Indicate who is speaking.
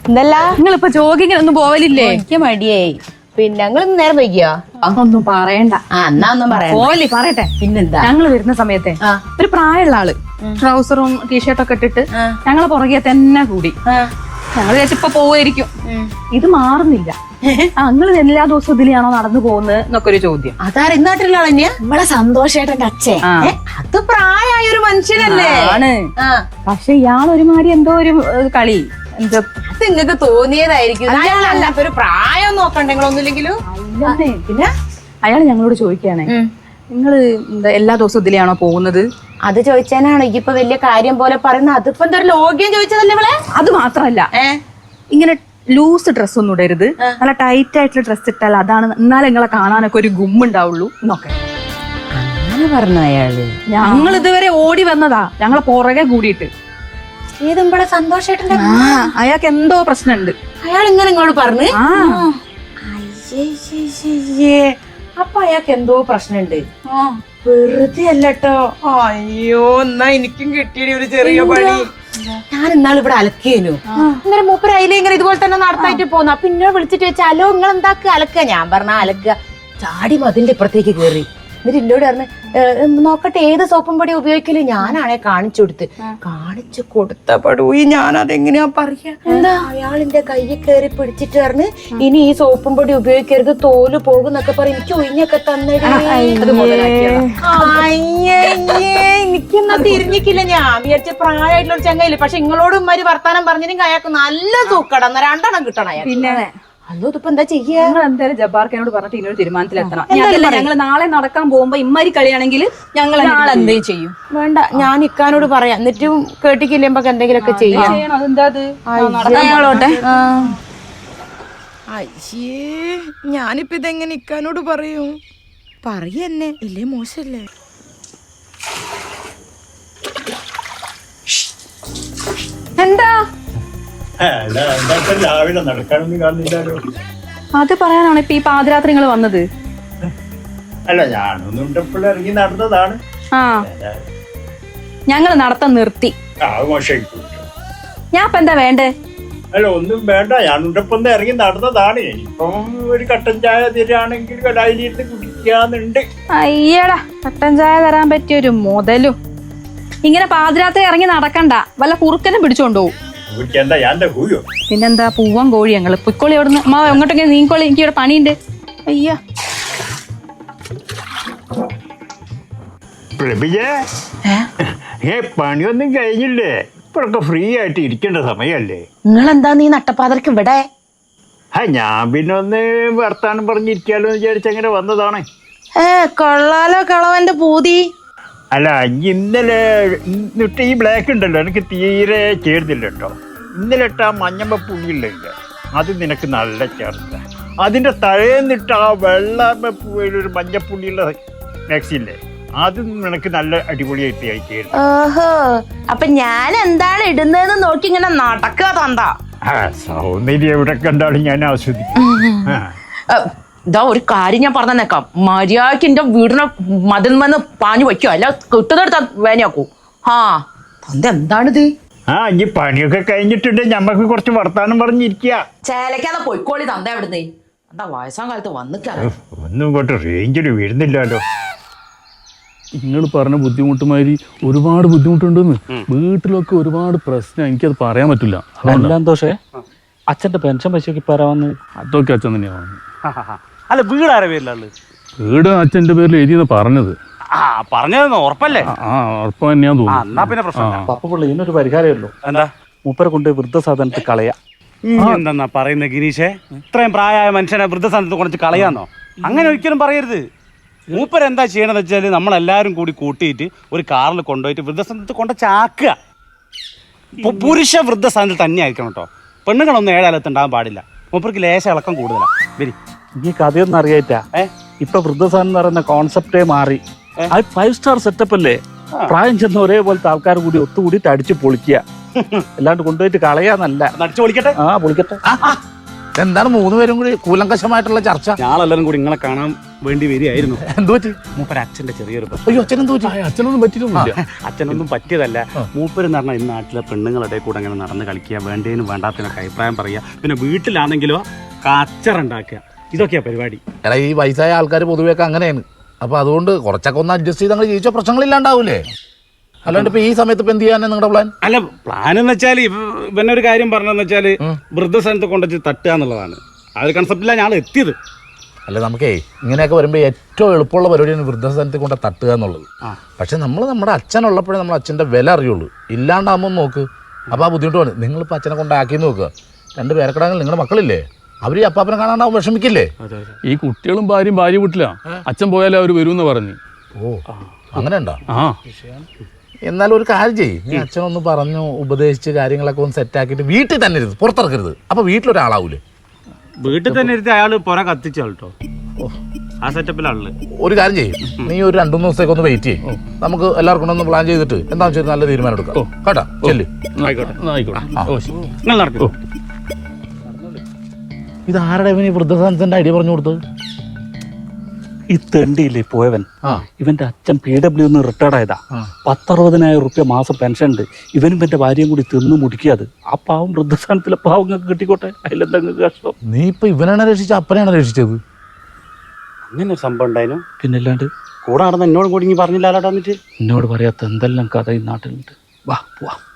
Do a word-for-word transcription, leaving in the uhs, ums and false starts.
Speaker 1: എന്തല്ല
Speaker 2: നിങ്ങളിപ്പോ ജോഗിങ്ങിനൊന്നും പോവലില്ലേ?
Speaker 1: എനിക്ക് മടിയായി. പിന്നെ ഞങ്ങൾ നേരം വൈകിയോ?
Speaker 2: ഒന്നും പറയണ്ട.
Speaker 1: ആ എന്നാ ഒന്നും പറയാം.
Speaker 2: പോലി പറയട്ടെ.
Speaker 1: പിന്നെന്താ,
Speaker 2: ഞങ്ങള് വരുന്ന സമയത്തെ ഒരു പ്രായമുള്ള ആള് ട്രൗസറും ടീഷർട്ടൊക്കെ ഇട്ടിട്ട് ഞങ്ങളെ പുറകെ തന്നെ കൂടി. ഞങ്ങൾ വിചാരിച്ചിപ്പോ പോവായിരിക്കും. ഇത് മാറുന്നില്ല. ഞങ്ങള് എല്ലാ ദിവസവും ഇതിലാണോ നടന്നു പോകുന്നത് എന്നൊക്കെ ഒരു ചോദ്യം.
Speaker 1: അതാ ഇന്നാട്ടിലുള്ള ആൾ തന്നെയാ
Speaker 3: നമ്മളെ സന്തോഷേട്ടന്റെ അച്ഛൻ.
Speaker 1: അത് പ്രായമായ ഒരു മനുഷ്യനല്ലേ
Speaker 2: ആണ്. പക്ഷെ ഇയാൾ ഒരുമാതിരി എന്തോ ഒരു കളി എന്തോ
Speaker 1: അത് നിങ്ങക്ക് തോന്നിയതായിരിക്കും. അയാളല്ലാത്ത ഒരു പ്രായം നോക്കണ്ട നിങ്ങളൊന്നുമില്ലെങ്കിലും.
Speaker 2: പിന്നെ അയാൾ ഞങ്ങളോട് ചോദിക്കുകയാണേ, നിങ്ങള് എന്താ എല്ലാ ദിവസവും ഇതിലാണോ പോകുന്നത്?
Speaker 1: അത് ചോദിച്ചാനാണോ ഇപ്പൊ വലിയ കാര്യം പോലെ പറയുന്നത്? അതിപ്പോ എന്താ ഒരു ലോഗ്യം ചോദിച്ചതല്ലേ ഇവളെ?
Speaker 2: അത് മാത്രല്ല, ഇങ്ങനെ ലൂസ് ഡ്രസ് ഒന്നും ഇടരുത്, നല്ല ടൈറ്റ് ആയിട്ടുള്ള ഡ്രസ് ഇട്ടാൽ അതാണ് എന്നാലും നിങ്ങളെ കാണാനൊക്കെ ഒരു ഗുമ്മുണ്ടാവുള്ളൂ എന്നൊക്കെ
Speaker 1: അങ്ങനെ പറഞ്ഞു അയാള്.
Speaker 2: ഞങ്ങൾ ഇതുവരെ ഓടി വന്നതാ ഞങ്ങളെ പുറകെ കൂടിയിട്ട്.
Speaker 1: ഏതുമ്പളെ സന്തോഷായിട്ടുണ്ട്.
Speaker 2: അയാൾക്ക് എന്തോ പ്രശ്നമുണ്ട്.
Speaker 1: അയാൾ ഇങ്ങനെ ഇങ്ങോട്ട് പറഞ്ഞു. അപ്പൊ അയാൾക്ക് എന്തോ പ്രശ്നമുണ്ട്. വെറുതെ അല്ലട്ടോ. അയ്യോ, എന്നാ എനിക്കും കിട്ടിയ ഒരു ചെറിയ പണി. ഞാൻ ഇന്നാൾ ഇവിടെ അലക്കേനു. ഇങ്ങനെ മൂപ്പര് അതിലെ ഇങ്ങനെ ഇതുപോലെ തന്നെ നടത്തായിട്ട് പോന്നു. അപ്പൊ ഇന്നോട് വിളിച്ചിട്ട് വെച്ചാൽ അലോ നിങ്ങൾ എന്താക്കുക അലക്കുക? ഞാൻ പറഞ്ഞ അലക്കുക. ചാടി മതിന്റെ ഇപ്പുറത്തേക്ക് കയറി. എന്നിട്ട് എന്നോട് പറഞ്ഞു നോക്കട്ടെ ഏത് സോപ്പും പൊടി ഉപയോഗിക്കല്. ഞാനാണെ കാണിച്ചു കൊടുത്ത് കാണിച്ചു കൊടുത്ത പടൂയി ഞാൻ അതെങ്ങനെയാ പറയാ. എന്താ അയാളിന്റെ കയ്യിൽ കയറി പിടിച്ചിട്ട് പറഞ്ഞ് ഇനി ഈ സോപ്പും പൊടി ഉപയോഗിക്കരുത്, തോല് പോകുന്നൊക്കെ പറയും. എനിക്ക് ഒഴിഞ്ഞൊക്കെ തന്നിടേ. എനിക്കൊന്നും തിരിഞ്ഞിക്കില്ല. ഞാൻ വിചാരിച്ച പ്രായമായിട്ടുള്ള ഒരു ചങ്ങയില്ല. പക്ഷെ നിങ്ങളോട് ഉമ്മാര് വർത്താനം പറഞ്ഞില്ലെങ്കിൽ അയാൾക്ക് നല്ല തൂക്കട. എന്നാ രണ്ടെണ്ണം കിട്ടണം അയാൾ. പിന്നെ അല്ലോ ഇതിപ്പോ എന്താ ചെയ്യാ?
Speaker 2: നിങ്ങൾ എന്തായാലും ജബ്ബാർക്കനോട് പറഞ്ഞിട്ട് ഇന്നൊരു തീരുമാനത്തിലെത്തണം. ഞങ്ങൾ നാളെ നടക്കാൻ പോകുമ്പോ ഇമ്മാരി കളിയാണെങ്കിൽ ഞങ്ങൾ നാളെ എന്തേ ചെയ്യും?
Speaker 1: വേണ്ട, ഞാൻ ഇക്കാനോട് പറയാം. എന്നിട്ടും കേട്ടിക്കില്ലുമ്പോ എന്തെങ്കിലുമൊക്കെ ചെയ്യാം.
Speaker 2: അതെന്താ
Speaker 1: ഞങ്ങളോട്ടെ. അയ്യേ, ഞാനിപ്പോ ഇതെങ്ങനെ ഇക്കാനോട് പറയൂ? പറയന്നെ ഇല്ലേ, മോശല്ലേ?
Speaker 2: എന്താ
Speaker 4: രാവിലെ നടക്കാനൊന്നും കാണുന്നില്ലല്ലോ.
Speaker 2: അത് പറയാനാണ് ഇപ്പൊ ഈ പാതിരാത്രി നിങ്ങൾ വന്നത്?
Speaker 4: അല്ല, ഞാനൊന്നും എപ്പോഴും ഇറങ്ങി നടന്നതാണ്.
Speaker 2: ആ, ഞങ്ങൾ നടത്തം നിർത്തി. ഞാൻ ഇപ്പൊ എന്താ വേണ്ടേ?
Speaker 4: അല്ല, ഒന്നും വേണ്ട. ഞാനുണ്ടപ്പം ഇറങ്ങി നടന്നതാണ്. ഇപ്പം ഒരു കട്ടൻ ചായ തരാണെങ്കിൽ കടായിലിരുന്ന് കുടിക്കാന്നുണ്ട്.
Speaker 2: അയ്യടാ, കട്ടൻ ചായ തരാൻ പറ്റിയൊരു മുതലും. ഇങ്ങനെ പാതിരാത്രി ഇറങ്ങി നടക്കണ്ട, വല്ല കുറുക്കനും പിടിച്ചോണ്ടുപോകും. പിന്നെന്താ, പൂവൻ കോഴി. ഞങ്ങള് പൊയ്ക്കോളി അവിടുന്ന്. അമ്മ എങ്ങോട്ടൊക്കെ നീക്കോളി, എനിക്ക് ഇവിടെ പണിയുണ്ട്. അയ്യ
Speaker 4: പണിയൊന്നും കഴിഞ്ഞില്ലേ? ഇപ്പൊക്കെ ഫ്രീ ആയിട്ട് ഇരിക്കേണ്ട സമയല്ലേ?
Speaker 1: നിങ്ങളെന്താ നീ നട്ടപ്പാതർക്ക് ഇവിടെ?
Speaker 4: ആ, ഞാൻ പിന്നെ ഒന്ന് വർത്താനം പറഞ്ഞിരിക്കാലോ എന്ന് വിചാരിച്ച അങ്ങനെ വന്നതാണ്.
Speaker 1: ഏ കൊള്ളാലോ കളവന്റെ പൂതി.
Speaker 4: അല്ല, ഇന്നലെ ഇന്നിട്ട് ഈ ബ്ലാക്ക് ഉണ്ടല്ലോ, എനിക്ക് തീരെ ചേർന്നില്ല കേട്ടോ. ഇന്നലെ ഇട്ട ആ മഞ്ഞമ്മ പുള്ളിയില്ല, അത് നിനക്ക് നല്ല ചേർത്ത. അതിന്റെ തലേന്നിട്ട് ആ വെള്ള ഒരു മഞ്ഞപ്പുള്ളിയുള്ള മാക്സില്ലേ, അത് നിനക്ക് നല്ല അടിപൊളിയായിട്ട് ആയി.
Speaker 1: ഓഹോ, അപ്പൊ ഞാൻ എന്താണ് ഇടുന്നതെന്ന് നോക്കി ഇങ്ങനെ നടക്കുക തന്താ.
Speaker 4: ആ, സൗന്ദര്യം എവിടെ കണ്ടാലും ഞാൻ ആസ്വദിക്കും.
Speaker 1: ഇതാ ഒരു കാര്യം ഞാൻ പറഞ്ഞേക്കാം, മര്യാദക്ക് എന്റെ വീടിനെ മതിൽ വന്ന് പാഞ്ഞു വയ്ക്കോ, അല്ല കിട്ടുന്നെടുത്ത വേനയാക്കൂ. ആ തന്ത എന്താണിത്?
Speaker 4: ആ, ഇനി പണിയൊക്കെ കഴിഞ്ഞിട്ടുണ്ട്, ഞമ്മക്ക് കുറച്ച് വർത്താനം പറഞ്ഞിരിക്കുക.
Speaker 1: ചേലക്കാതെ പൊയ്ക്കോളി തന്ത എവിടുന്നേ. എന്താ വയസ്സാം കാലത്ത് വന്നിക്കാ.
Speaker 4: ഒന്നും ഇങ്ങോട്ട് റേഞ്ചിൽ വീഴുന്നില്ലല്ലോ.
Speaker 5: നിങ്ങൾ പറഞ്ഞ ബുദ്ധിമുട്ടുമാതിരി ഒരുപാട് ബുദ്ധിമുട്ടുണ്ടെന്ന്. വീട്ടിലൊക്കെ ഒരുപാട് പ്രശ്നം, എനിക്കത് പറയാൻ പറ്റില്ല.
Speaker 6: സന്തോഷേ, അച്ഛന്റെ പെൻഷൻ പൈസക്ക് പറയാന്ന്.
Speaker 5: അതൊക്കെ അച്ഛൻ തന്നെയാണ്.
Speaker 6: അല്ല, വീട് ആരെ പേരിലാണ്?
Speaker 5: വീട് അച്ഛന്റെ പേരിൽ എഴുതിയെന്ന് പറഞ്ഞത്.
Speaker 6: ആ, പറഞ്ഞതെന്ന് ഉറപ്പല്ലേ?
Speaker 5: ആ, ഉറപ്പ് തന്നെയാന്ന് തോന്നുന്നു.
Speaker 6: എന്നാ പിന്നെ പ്രശ്നം. പപ്പ പുള്ളി ഇതിനൊരു പരിഹാരമേ ഉള്ളൂ. എന്താ? മൂപ്പരെ കൊണ്ട് വൃദ്ധസാധനത്തിൽ കളയാ. എന്താ പറയുന്നത് ഗിരീഷേ? ഇത്രയും പ്രായമായ മനുഷ്യനെ വൃദ്ധസാധനത്തിൽ കൊണ്ടിട്ട് കളയാന്നോ? അങ്ങനെ ഒരിക്കലും പറയരുത്. മൂപ്പര് എന്താ ചെയ്യണമെന്ന് വെച്ചാൽ നമ്മളെല്ലാവരും കൂടി കൂട്ടിയിട്ട് ഒരു കാറിൽ കൊണ്ടുപോയിട്ട് വൃദ്ധസാധനത്തിൽ കൊണ്ട് ചാക്കുക. പുരുഷ വൃദ്ധസാധനത്തിൽ തന്നെ ആയിരിക്കണം കേട്ടോ. പെണ്ണുങ്ങളൊന്നും ഏഴാലത്തുണ്ടാകാൻ പാടില്ല. മൂപ്പർക്ക് ലേശ ഇളക്കം കൂടുതലാണ്. വരി,
Speaker 7: ഈ കഥയൊന്നും അറിയാറ്റാ. ഇപ്പൊ വൃദ്ധസാധനം എന്ന് പറയുന്ന കോൺസെപ്റ്റേ മാറി. അത് ഫൈവ് സ്റ്റാർ സെറ്റപ്പ് അല്ലേ? പ്രായം ചെന്ന ഒരേപോലത്തെ ആൾക്കാർ കൂടി ഒത്തുകൂടിയിട്ട് അടിച്ചു പൊളിക്കുക, അല്ലാണ്ട് കൊണ്ടുപോയിട്ട് കളയാന്നല്ല.
Speaker 6: അടിച്ചു പൊളിക്കട്ടെ.
Speaker 7: ആ, പൊളിക്കട്ടെ.
Speaker 3: എന്താണ് മൂന്ന് പേരും കൂടി കൂലങ്കശമായിട്ടുള്ള ചർച്ച?
Speaker 6: ഞാളെല്ലാരും കൂടി നിങ്ങളെ കാണാൻ വേണ്ടി വരികയായിരുന്നു.
Speaker 3: എന്തു പറ്റി?
Speaker 6: മൂപ്പര് അച്ഛന്റെ ചെറിയൊരു പ്രശ്നം.
Speaker 3: അയ്യോ അച്ഛൻ എന്തു പറ്റി?
Speaker 5: അച്ഛനൊന്നും പറ്റിയിട്ടൊന്നുമില്ല.
Speaker 6: അച്ഛനൊന്നും പറ്റിയതല്ല. മൂപ്പര് എന്ന് പറഞ്ഞാൽ ഈ നാട്ടിലെ പെണ്ണുങ്ങളുടെ കൂടെ അങ്ങനെ നടന്ന് കളിക്കുക, വേണ്ടതിനും വേണ്ടാത്തതിനൊക്കെ അഭിപ്രായം പറയുക, പിന്നെ വീട്ടിലാണെങ്കിലോ കച്ചറുണ്ടാക്കുക, ഇതൊക്കെയാ പരിപാടി.
Speaker 3: എടാ ഈ വയസ്സായ ആൾക്കാർ പൊതുവെയൊക്കെ അങ്ങനെയാണ്. അപ്പൊ അതുകൊണ്ട് കുറച്ചൊക്കെ ഒന്ന് അഡ്ജസ്റ്റ് ചെയ്ത് അങ്ങനെ ജീവിച്ച പ്രശ്നങ്ങളില്ലാണ്ടാവൂലേ? അല്ലാണ്ട് ഇപ്പൊ ഈ സമയത്ത് ഇപ്പൊ എന്ത് ചെയ്യാനാണ് നിങ്ങളുടെ പ്ലാൻ?
Speaker 6: അല്ല, പ്ലാൻ എന്ന് വെച്ചാൽ ഇവന്നെ ഒരു കാര്യം പറഞ്ഞതെന്ന് വെച്ചാൽ വൃദ്ധസ്ഥാനത്ത് കൊണ്ടുവച്ച് തട്ടുക എന്നുള്ളതാണ്. ആ ഒരു കൺസെപ്റ്റിലാണ് ഞാൻ എത്തിയത്.
Speaker 3: അല്ല നമുക്കേ ഇങ്ങനെയൊക്കെ വരുമ്പോൾ ഏറ്റവും എളുപ്പമുള്ള പരിപാടിയാണ് വൃദ്ധസ്ഥാനത്തിൽ കൊണ്ട് തട്ടുക എന്നുള്ളത്. പക്ഷെ നമ്മൾ നമ്മുടെ അച്ഛനുള്ളപ്പോഴേ നമ്മൾ അച്ഛൻ്റെ വില അറിയുള്ളൂ. ഇല്ലാണ്ടാകുമ്പോൾ നോക്ക് അപ്പോൾ ആ ബുദ്ധിമുട്ട് വേണം. നിങ്ങളിപ്പോൾ അച്ഛനെ കൊണ്ടാക്കി നോക്കുക. രണ്ട് പേരക്കിടാങ്ങൾ നിങ്ങളുടെ മക്കളില്ലേ, അവർ ഈ അപ്പാപ്പനെ കാണാണ്ടാവും വിഷമിക്കില്ലേ?
Speaker 5: ഈ കുട്ടികളും ഭാര്യയും ഭാര്യ വീട്ടിലാ. അച്ഛൻ പോയാലേ അവർ വരുമെന്ന് പറഞ്ഞു.
Speaker 3: ഓ അങ്ങനെ ഉണ്ടോ?
Speaker 5: ആ
Speaker 3: എന്നാലും ഒരു കാര്യം ചെയ്യും, നീ അച്ഛനൊന്ന് പറഞ്ഞു ഉപദേശിച്ച് കാര്യങ്ങളൊക്കെ ഒന്ന് സെറ്റാക്കിയിട്ട് വീട്ടിൽ തന്നെ ഇരുന്ന് പുറത്തിറക്കരുത്. അപ്പൊ വീട്ടിലൊരാളാവൂലേ?
Speaker 6: വീട്ടിൽ തന്നെ ഇരുത്തി അയാൾ പുറ കത്തിച്ചാൾ കേട്ടോ. ആ സെറ്റപ്പിലാണുള്ളത്.
Speaker 3: ഒരു കാര്യം ചെയ്യും, നീ ഒരു രണ്ടു മൂന്ന് ദിവസത്തേക്ക് ഒന്ന് വെയിറ്റ് ചെയ്യും. നമുക്ക് എല്ലാവർക്കും ഒന്ന് പ്ലാൻ ചെയ്തിട്ട് എന്താ വെച്ചാൽ നല്ല തീരുമാനം എടുക്കാം കേട്ടോ. ചെല്ല്.
Speaker 5: ആയിക്കോട്ടെ ആയിക്കോട്ടെ. ഓ ശരി.
Speaker 6: നിങ്ങൾ നടക്കും.
Speaker 3: ഇത് ആരുടെ ഇവന് ഈ വൃദ്ധസദനത്തിന്റെ ഐഡിയ പറഞ്ഞു കൊടുത്തത്?
Speaker 7: ഈ തെണ്ടിയില്ലേ പോയവൻ, ഇവന്റെ അച്ഛൻ പി ഡബ്ല്യു നിന്ന് റിട്ടയർഡ് ആയതാ. പത്തറുപതിനായിരം റുപ്യ മാസം പെൻഷൻ ഉണ്ട്. ഇവനും ഇവന്റെ ഭാര്യയും കൂടി തിന്നു മുടിക്കാത്. ആ പാവം വൃദ്ധസ്ഥാനത്തിലെ പാവങ്ങൾക്ക് കിട്ടിക്കോട്ടെ, അതിലെന്തെങ്കിലും കഷ്ടം.
Speaker 3: നീ ഇപ്പൊ ഇവനാണ് രക്ഷിച്ച അപ്പനെയാണ് രക്ഷിച്ചത്?
Speaker 6: അങ്ങനെ ഒരു സംഭവം ഉണ്ടായിരുന്നു.
Speaker 7: പിന്നല്ലാണ്ട്
Speaker 6: കൂടെ നടന്ന് എന്നോട് കൂടി പറഞ്ഞില്ല.
Speaker 7: എന്നോട് പറയാത്ത എന്തെല്ലാം കഥ ഈ നാട്ടിലുണ്ട്. വാ പോവാ.